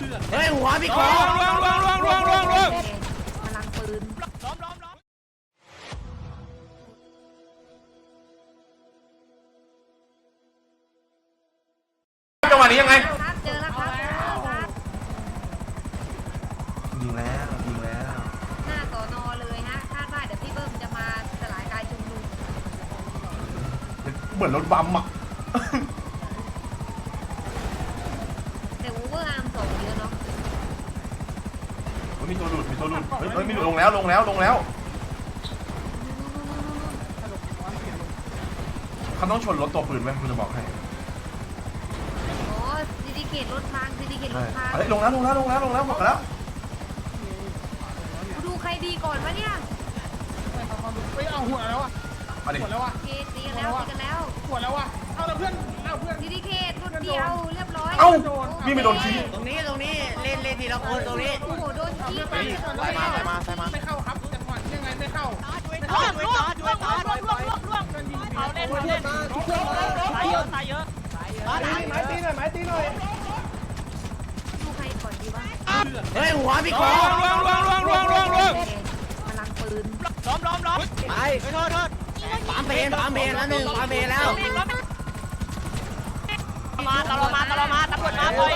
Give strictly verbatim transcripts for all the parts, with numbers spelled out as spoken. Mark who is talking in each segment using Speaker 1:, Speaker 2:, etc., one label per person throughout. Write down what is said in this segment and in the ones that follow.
Speaker 1: เฮ้ยหัวพี่คอ
Speaker 2: ล่วงล่วงล่วงล่วงล่วงล่วง
Speaker 3: พลังปืน
Speaker 2: ล้อมล้อมล้อมจังหวะนี้ยังไง
Speaker 3: ครับเจอแล้วครับครับ
Speaker 2: ยิงแล้วยิงแล้ว
Speaker 3: หน้าสอนอเลยฮะคาดว่าเดี๋ยวพี่เบิ้มจะมาสลายการชุมนุม
Speaker 2: เหมือนรถบัมอ่ะ
Speaker 3: แต่โอเวอร์อาร์มส่งเยอะเนาะ
Speaker 2: มีตัวหลุดมีตัวหลุดเฮ้ยเฮ้ยมีหลุดลงแล้วลงแล้วลงแล้วเขาต้องชนรถตัวปืนไหมคุณจะบอกให้
Speaker 3: อ๋อซิติเกตรถพังซิติเกตรถพัง
Speaker 2: เฮ้ยลงแล้วลงแล้วลงแล้วลงแล้วหมดแล้ว
Speaker 3: ดูใครดีก่อนวะเนี่ย
Speaker 4: ไปเอาหัวแล้วอ่ะ
Speaker 2: มาดิ
Speaker 4: หัวแล้วอ่ะ
Speaker 3: เกตตีกันแล้วตีกันแล้ว
Speaker 4: หัวแล้วอ่ะเอาแล้วเพื่อนเอาเพื่อน
Speaker 3: ซิติเกตรุ่นเดียวเรียบร้อย
Speaker 2: เอ้าวิ่งไปโดนขี้
Speaker 1: ตรงนี้ตรงนี้เล่นเล่นทีละคนตรงนี้
Speaker 3: โอ้โหโดนขี้ไป
Speaker 1: ไปมาไปมาไปมา
Speaker 4: ไม่เข้าครับจังหวะยังไงไม่เข้า
Speaker 5: ล่วงล่วงล่วงล่วงล่วงล่วงล่วงล่วงเอาเล่นเอาเล่นตายเยอะตายเยอะ
Speaker 4: ไม้ตีหน่อยไม้ตีหน่อย
Speaker 3: ดูใครก่อนดีวะ
Speaker 1: เฮ้ยหัวพี่คอ
Speaker 2: ล่วงล่วงล่วงล่วงล่วงล่วง
Speaker 3: พลังปืน
Speaker 5: ล้อมล้อมล้อม
Speaker 1: ไป
Speaker 5: ไปโทษโทษ
Speaker 1: ปั๊มเพนปั๊มเพนแล้วหนึ่งปั๊มเพนแล้ว
Speaker 5: มาตลอดมาตลอดมาตำรวจมาไป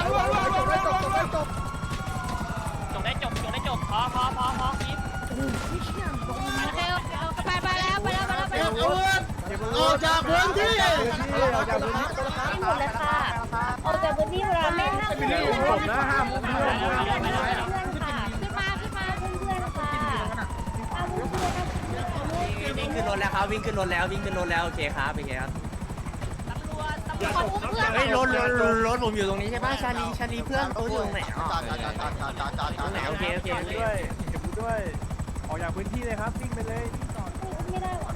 Speaker 5: จบได้จบจบได้จบพอพอพอพอพีไปไปแล้วไปแล้วไปแล้วไปแล้ว
Speaker 1: ออกจากพื้นที่
Speaker 6: ไม่หมดเลยค่ะออกจากพื้นที่เวลาไม่ห้ามเพื่อน
Speaker 4: ผมนะห้ามเพื่อน
Speaker 6: ค่ะขึ้นมาขึ้นมาเพื่อนๆค่ะเอาเพื่อนๆ
Speaker 1: วิ่งขึ้นรถแล้วครับวิ่งขึ้นรถแล้ววิ่งขึ้นรถแล้วโอเคครับโอเคครับ
Speaker 5: ตำรวจตำรวจอุ้มเพื่อน
Speaker 1: เฮ้ยรถรถรถรถผมอยู่ตรงนี้ใช่ป่ะชาลีชาลีเพื่อนเขาอยู่ตรงไหนอ๋อตรงไหนโอเคโอเคโอเค
Speaker 4: ด้วยเก็บด้วยออกจากพื้นที่เลยครับวิ่งไปเลย
Speaker 6: อุ้มไม่ได้ว่ะ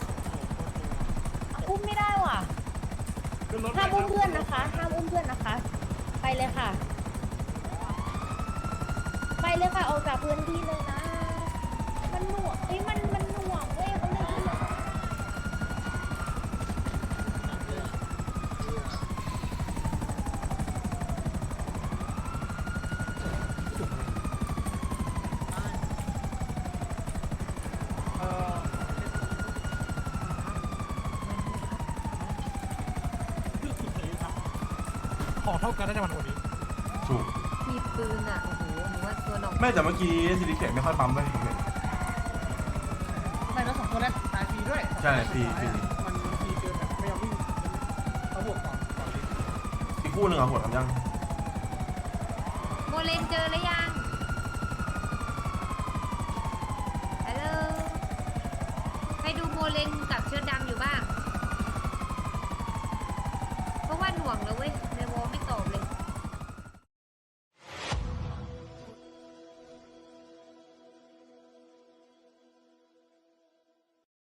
Speaker 6: อุ้มไม่ได้ว่ะห้ามอุ้มเพื่อนนะคะห้ามอุ้มเพื่อนนะคะ ไปเลยค่ะ ไปเลยค่ะออกจากพื้นที่เลยนะ มันหน่วงเอ้ยมันมันหน่วงเว้ยเขาเลย
Speaker 4: ของเท่ากันได้จังหวะนี้
Speaker 2: ถูก
Speaker 3: มีปืนอ่ะโอ้โหหนูว่าตัวหนอง
Speaker 2: แม่แต่เมื่อกี้ซิลิเกตไม่ค่อยปั๊มเลย
Speaker 4: ไม่แล้วสองตัวแรกตายฟรีด้วย
Speaker 2: ใช่ฟรีฟรี
Speaker 4: มันฟรีเกินแบบไม่ยอมวิ่งเขาบวกก่อนก่อน
Speaker 2: อีกคู่หนึ่งอ่ะหัวทำยัง
Speaker 3: โมเลนเจอหรือยังฮัลโหลให้ดูโมเลนกับเชือกดำอยู่บ้างเพราะว่าหน่วงแล้วเว้ยในวอลไม่ตอบเลย